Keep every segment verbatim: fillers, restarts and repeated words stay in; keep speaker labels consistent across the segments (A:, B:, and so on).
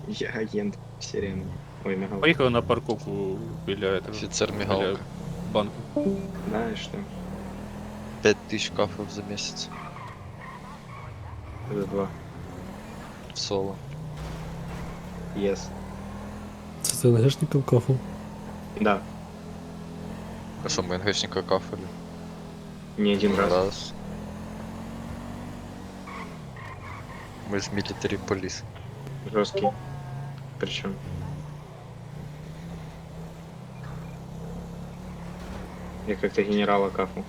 A: Я агент сирены. Ой, мигалка.
B: Поїхали на парковку біля этого.
C: Офицер
B: Біля
C: мигалка.
B: банку.
A: Да, и что?
C: пять тысяч кафов за месяц.
A: Это два.
C: В соло.
A: Yes.
D: Це ти НГшників кафу?
A: Да.
C: А что, мы НГшника кафали?
A: Не один раз.
C: Раз. Мы же милитари полис.
A: Жесткий. Причем. Я как-то генерала кафу.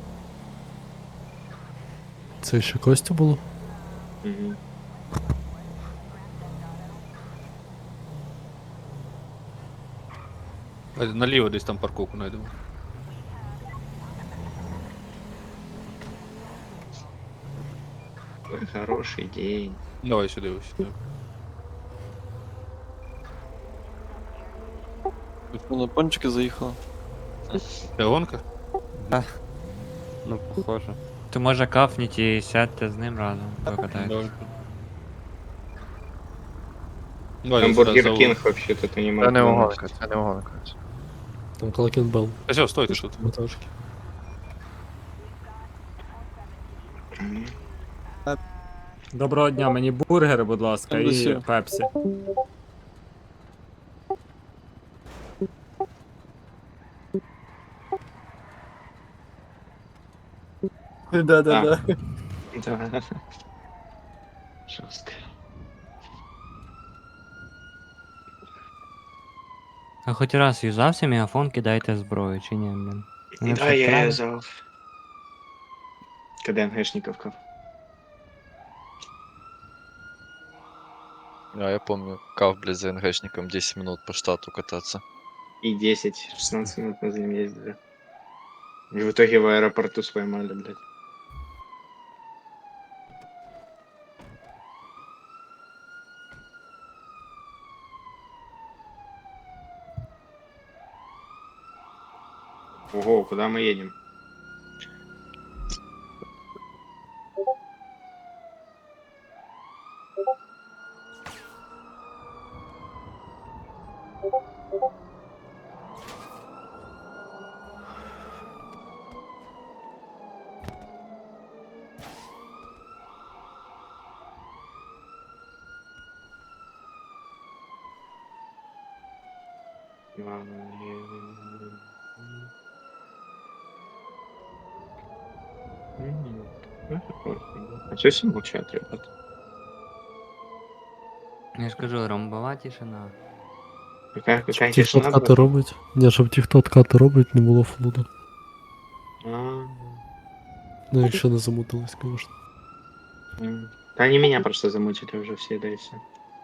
D: Це ще Костя було?
A: Угу.
B: А наліво десь там парковку знайдемо.
A: Ой, хороший день.
B: Давай сюди, ось сюди.
E: На пончики заїхала.
B: Це гонка?
F: Ну, похоже. То може кафніть і сядьте з ним разом, покатайтесь.
B: Давай. Давай,
A: Там
B: сюди
A: Бургер
B: за
A: Кинг вообще-то ты не
G: Це
A: можешь.
G: не угонка, це не угонка.
D: Там Клакенбелл.
B: А все, стойте тут.
D: Мотажки.
H: Доброго дня, мені бургер, будь ласка, і
E: Досі.
H: пепсі.
E: Да-да-да.
A: Да. Жестко.
F: А хоч раз юзався мегафон, кидайте зброю, чи ні, блін? Вони
A: Да,
F: все
A: я
F: правильно?
A: юзал. Когда НГшников каф.
C: А, я помню, каф, блядь, за НГшником десять минут по штату кататься.
A: И десять-шестнадцать минут мы за ним ездили. И в итоге в аэропорту споймали, блядь. Ого, куда мы едем? А что все молчат, ребят?
F: Я ж кажу, ромбова тишина.
A: Какая,
D: Щоб
A: какая
D: ті, хто
A: тишина,
D: откати
A: брат?
D: робить. Ні, щоб ті, хто откати робить, не було флуду.
A: А,
D: Ну, якщо не замутились, звісно.
A: м. Да они меня просто замутили уже все, да и все.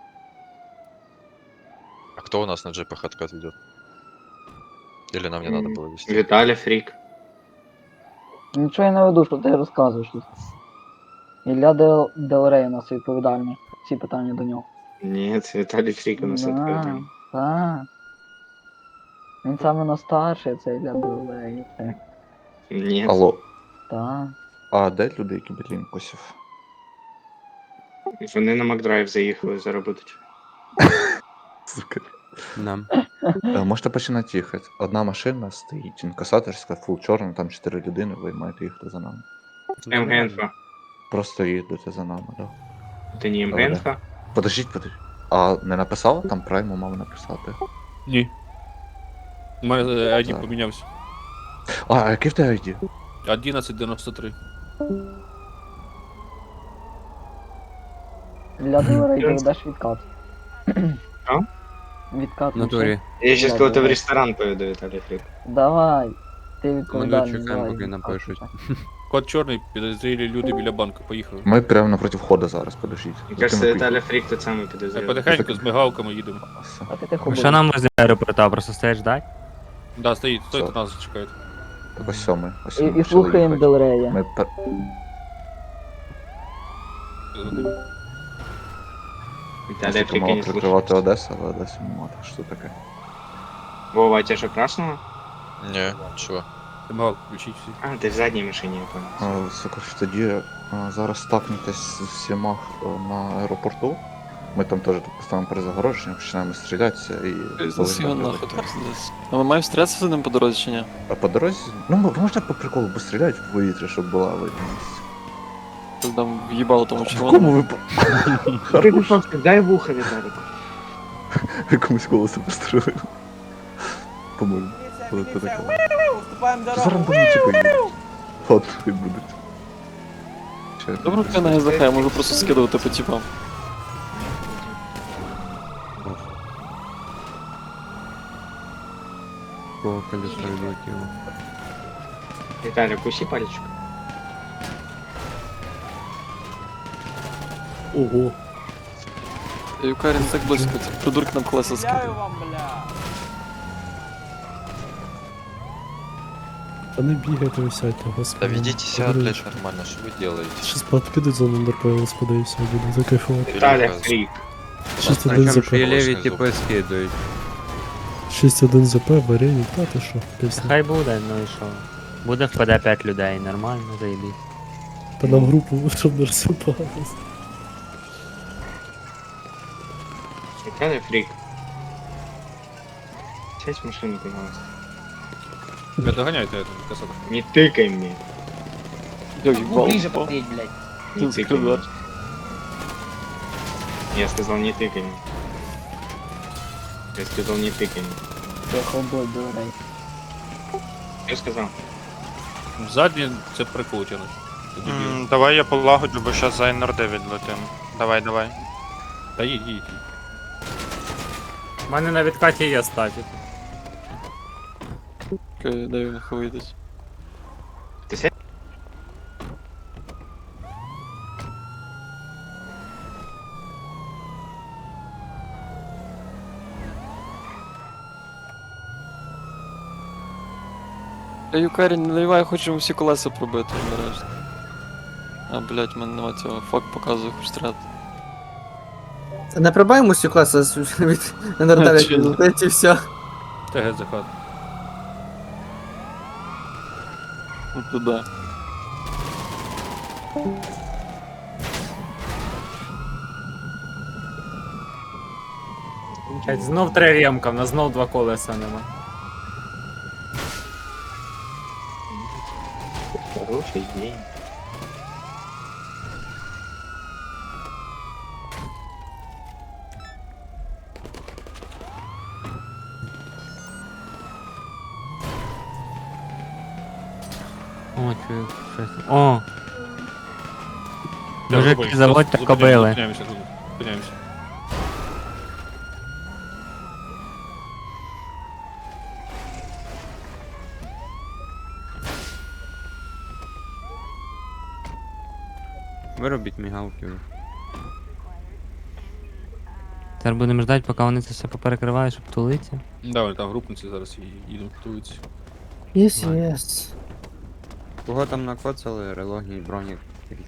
C: А кто у нас на джипах откат ведет? Или нам не надо было вести?
A: Виталий Фрик.
I: Нічого я не веду, що ти розказуєш тут. Ілля Дел, Делрей у нас відповідальний. Всі питання до нього.
A: Нет, Виталий Фрик у нас
I: Да,
A: открытый.
I: так. Він саме на старший, це Ілля Делрей. Це.
A: Нет.
J: Алло,
I: Так.
J: а де люди, які Берлін косів?
A: Вони на Макдрайв заїхали заработать.
J: Сука.
F: Нам.
J: Е, Можете починати їхати. Одна машина стоїть, інкасаторська, фул чорна, там чотири людини, ви маєте їхати за нами.
A: МГНФ.
J: Просто їдете за нами, да.
A: Це не
J: Добре.
A: МГНФ?
J: Подождіть, подождіть. А не написала? Там прайму мав написати.
B: Ні. У мене ай ді
J: Так.
B: помінявся.
J: А, а який в тебе ай ді?
B: одинадцять дев'яносто три.
I: Ілля Делрей, ти ведеш відкат.
A: А?
I: Відкат.
F: В натурі.
A: Я сейчас
I: Ладно,
A: кого-то в
I: давай.
A: ресторан поведу, Виталий Фрик.
I: Давай. Ти
F: Ми
I: відповідальний.
F: чекаємо,
I: давай,
F: поки
I: відкат.
F: напишуть.
B: Код чорний, підозрілі люди біля банку, поїхали.
J: Ми прямо напроти входу зараз, подождіть.
A: Мне кажется,
J: Затим
A: Виталий
J: ми
A: Фрик тот самый
B: Ми
A: подозреваемый.
B: потихеньку з мигалками їдемо.
J: поїхали. Все.
I: А ти тихо
F: Що
I: будь.
F: нам з аеропорта, просто стоять ждать?
B: Да, стоїть, стойте,
J: Все.
B: нас чекають.
J: Так ось сьомий. Ось
I: І,
J: ми
I: і
J: почали
I: слухаємо
J: їхати.
I: Делрея.
J: Ми пер...
A: Виталий Фрик, я
J: мало
A: не слушаю.
J: прикривати Одесу, але Одесу немає, так що таке.
A: Вова, а тебя же красного?
C: Не, чего?
B: Мигалку включіть всі.
A: А, ты в задней машине, я понял.
J: А, Це коротше, тоді а, зараз стакнетесь з всіма а, на аеропорту. Ми там теж поставимо перезагородження, починаємо стрілятися і.
E: Пиздец його
J: полегко
E: нахуй,
J: прилетить.
E: пиздец. А ми маємо стрілятися з ним по дорозі чи ні?
J: А по дорозі, ну можна по приколу постріляти в повітря, щоб була видимість.
E: Ти там в'їбало тому
J: В
E: червоному.
J: якому випадку?
A: Ти випадку, дай вуха Віталіку.
J: Якомусь колесо пострілив. По-моєму. Коли ти таке. Зараз рандомні типи їдуть. Ладно, хай будуть. Ще
E: Добре, ти на ГЗХ, я можу просто скидувати по типам.
F: Кого колесо відлетіло.
A: Віталік, усі пальчик.
D: Ого.
E: Юкарін так близько, ці придурки нам колеса скидає.
D: Та не бігайте, ви сядьте, господи.
C: Да ведите себя,
D: Подивись.
C: блядь, нормально, что вы делаете?
D: Щас подкидуть за номер ПЛСПД і все, буде закайфувати.
A: Віталік, фрік.
D: шість один ЗП.
C: леві
F: типи скидують.
D: шість один ЗП, варені, та ти що, пісня.
F: Хай буде, ну і що. Буде впаде п'ять людей, нормально, заєбіть.
D: Та нам групу, щоб не розсипалось.
A: Віталік, фрік. Сядь в машину, пожалуйста.
B: Тебя доганяйте это, касатор.
A: Не тыкай мне.
E: Я в'їбало.
A: ближе
E: впав.
A: подъедь, блядь.
E: Ты
A: Не тыкай
E: закрывай.
A: мне. Я сказал, не тыкай мне. Я сказал, не тыкай мне.
I: Це хобой дорей.
A: Я сказал.
B: Задні це прикол тянуть. Ти дебіл.
G: М, Давай я полагоджу, бо щас за ен ар дев'ять летим. Давай, давай.
B: Та їдь, їдь.
H: У мене на відкаті є статік.
E: Окей, дай він вийдуть.
A: Ты сядь.
E: Я Юкарін, не наливай, хочемо всі колеса пробити нарешті. А, блядь, в мене нема цього. Фак показує, хоч стріляти.
K: Не пробаємо всі класи від ен ар дев'ять
E: Чудо.
K: відлетить і все.
B: Та геть захат.
E: Ну туди.
H: Блядь, знов три ремка, в нас знов два колеса нема.
A: Хороший день.
F: О, чую, щось. О!
B: Бля,
F: Мужик,
B: зупиніться,
F: заводьте
B: зупиняємося,
F: кобили.
B: Зупиняємося, тут, зупиняємося.
F: Виробіть мігалки. Зараз будемо ждати, поки вони це все поперекривають, щоб тулитися.
B: Да, вони там групниці зараз і їдуть, готуються.
K: Єс, єс.
F: Кого там накоцали, релогії, бронік.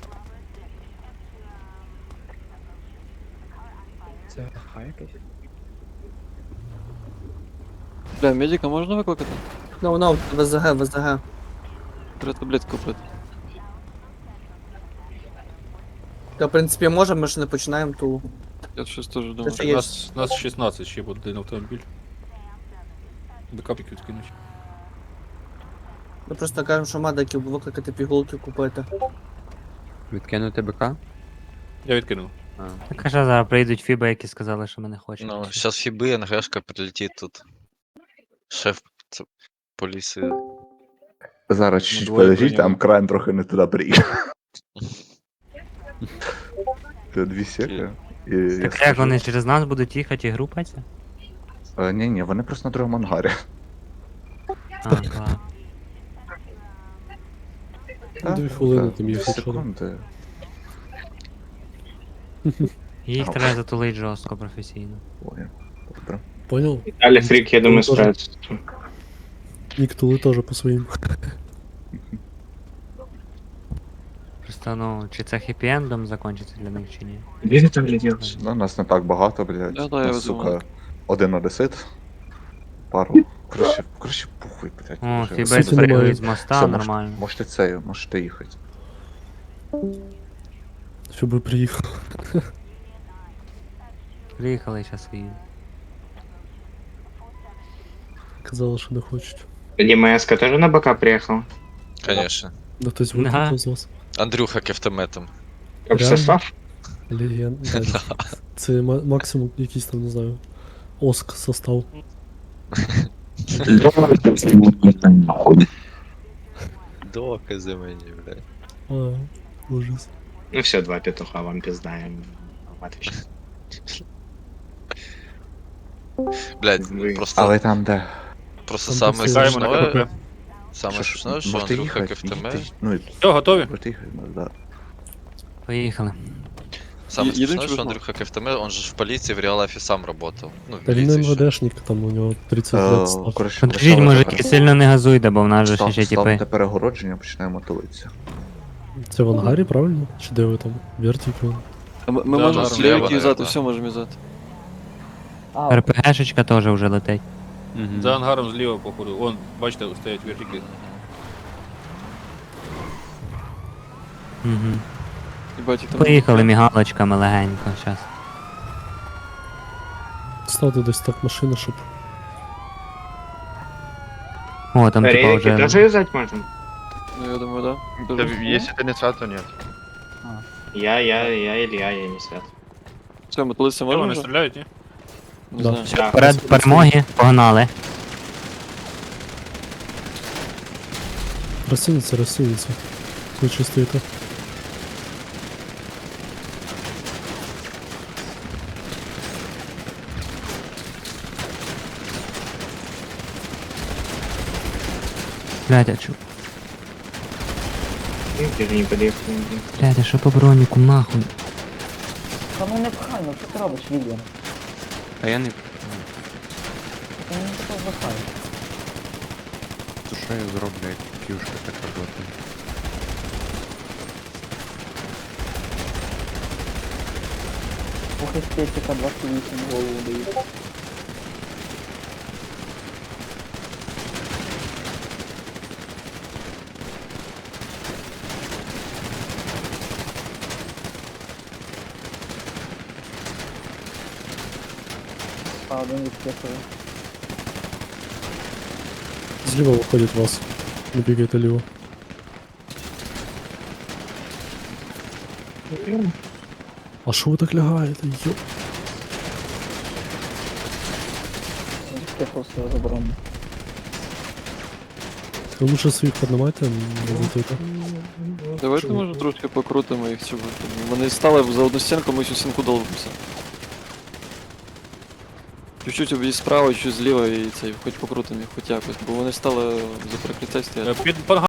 A: Це хайкась?
E: Бля, медика можна викликати?
K: Ну, ну, ВЗГ, ВЗГ.
E: Треба таблетку купити.
K: Та, в принципі, можемо, ми ж не починаємо ту.
E: Я щось теж думаю.
K: Це
B: У
K: є.
B: нас, нас шістнадцять ще буде один автомобіль. Бекапіки відкинуть.
K: Ми просто кажемо, що медиків викликати пігулки купити.
F: Відкинути БК?
B: Я відкинув.
F: Так а що зараз прийдуть фіби, які сказали, що ми не хочемо.
C: Ну, сейчас Фибы, НГшка прилетит тут. Шеф ц- полиции.
J: Зараз чуть-чуть
B: двоє
J: подождіть, там
B: прийняли.
J: кран трохи не туди приїхав. Це дві сека. І я
F: Так як
J: скажу-
F: вони через нас будуть їхати і групатися?
J: Е, Ні, ні, вони просто на другому ангарі.
F: А, ладно.
D: Дві хвилини
J: Так,
D: там їх
J: дві
D: лишило.
J: секунди.
F: Їх треба затулити жорстко, професійно.
J: Ой, добре.
D: Понял?
A: Виталий, фрик, я думаю,
D: Ну, тоже.
A: справится.
D: Ніктули теж по своїм.
F: Просто, ну, чи це хеппі-ендом закінчиться для них, чи ні?
A: Где ты там гляделся?
J: Ну, нас не так багато, блядь.
E: Да, да, я
J: Нас,
E: думаю.
J: сука, один одесит. Пару. Коротше, коротше, похуй, блядь.
F: О,
J: вже.
F: фіби
D: Суті, немає.
F: спригають з моста,
J: Все, мож-
F: нормально.
J: Можете це, можете їхати.
D: Щоб приїхав.
F: Приїхали, зараз їдемо.
D: Казали, що не хочуть.
A: ДМС-ка тоже на бока приехал?
C: Конечно.
D: Да хтось
F: Ага.
D: викликав з вас.
C: Андрюха кефтеметом.
A: Капсослав?
D: Легенда. Це ма- максимум якийсь там, не знаю. Оск состав.
C: Докази мені, блядь.
D: А, ужас.
A: Ну все, два петуха вам пиздаем. Отлично.
C: Блядь,
A: Ви-
C: просто,
J: Але там де?
C: просто
D: Там
C: саме
D: посилаємо
G: Чекаємо на
C: смішное,
G: КПП.
C: саме
J: Що ж,
C: смішное, що
J: можете
C: Андрюха
J: їхати,
C: кефтеме,
J: їдьте, ну, і
B: Все, готові?
J: можете їхати, ну, да.
F: Поїхали.
C: саме
E: Їдемо
C: смішное,
E: чи
C: що
E: без
C: Андрюха кефтеме, он же ж в поліції в реал-лайфі сам работав. Ну, в
D: Та він
C: міліції ще.
D: МВДшник, там у нього тридцять
J: Е,
D: лет став.
J: коротше,
F: Подождіть,
J: поставили
F: мужики,
J: пере-
F: сильно не газуйте, бо в нас же
J: став-
F: ще типи.
J: ставте перегородження, починаємо тулитися.
D: Це в ангарі, правильно? Чи де ви там? Вертіки?
E: А Ми, ми
B: Да,
E: можемо
B: да,
E: слівики
C: зліва,
E: юзати,
C: да.
E: все можемо юзати.
I: А,
F: РПГшечка теж вже летить.
B: За ангаром зліва, походу. Вон, бачите, стоять вертики.
F: Угу.
E: Їбать, їх там.
F: Поїхали мігалочками легенько, зараз.
D: Ставте десь так машини, щоб.
F: О, там типа
A: Рейки тоже
F: вже...
A: юзать можно?
E: Ну я думаю, да.
G: Да,
E: Дуже-
G: Если ты не свят, то нет.
A: Я, я, я, Илья, я не свят.
E: Все, ми тулися
B: Що,
E: можемо
B: вони
E: вже?
B: стріляють, ні?
E: Не
D: Да.
E: знаю.
A: Да.
F: Вперед перемоги, погнали.
D: Розсунеться, розсунеться. Ви чувствуєте?
F: Блядь, а чо?
A: Ну, ты же не подъехал.
F: Блядь, а що по броніку, нахуй?
I: та ну не пхай, ну що ти робиш, Вільям?
F: А я не...
I: Ти не тако запхай.
F: То що я зроблю, як кюшка так роботи?
I: Ох, естетика двадцять вісім голову дає. А, один відписує.
D: Зліва виходить вас. Не бігайте ліво. А що ви так лягаєте? Йо.
I: Відписував свого заборону.
D: Ви лучше своїх піднімайте, не летите.
E: Давайте може трошки покрутимо їх цього. Вони стали за одну стінку, ми всю стінку долбимося. Чуть-чуть об'їзд справа, чуть зліва і цей, хоч покрутимо їх хоч якось, бо вони стали за прикриття стоять.
B: Е, Під під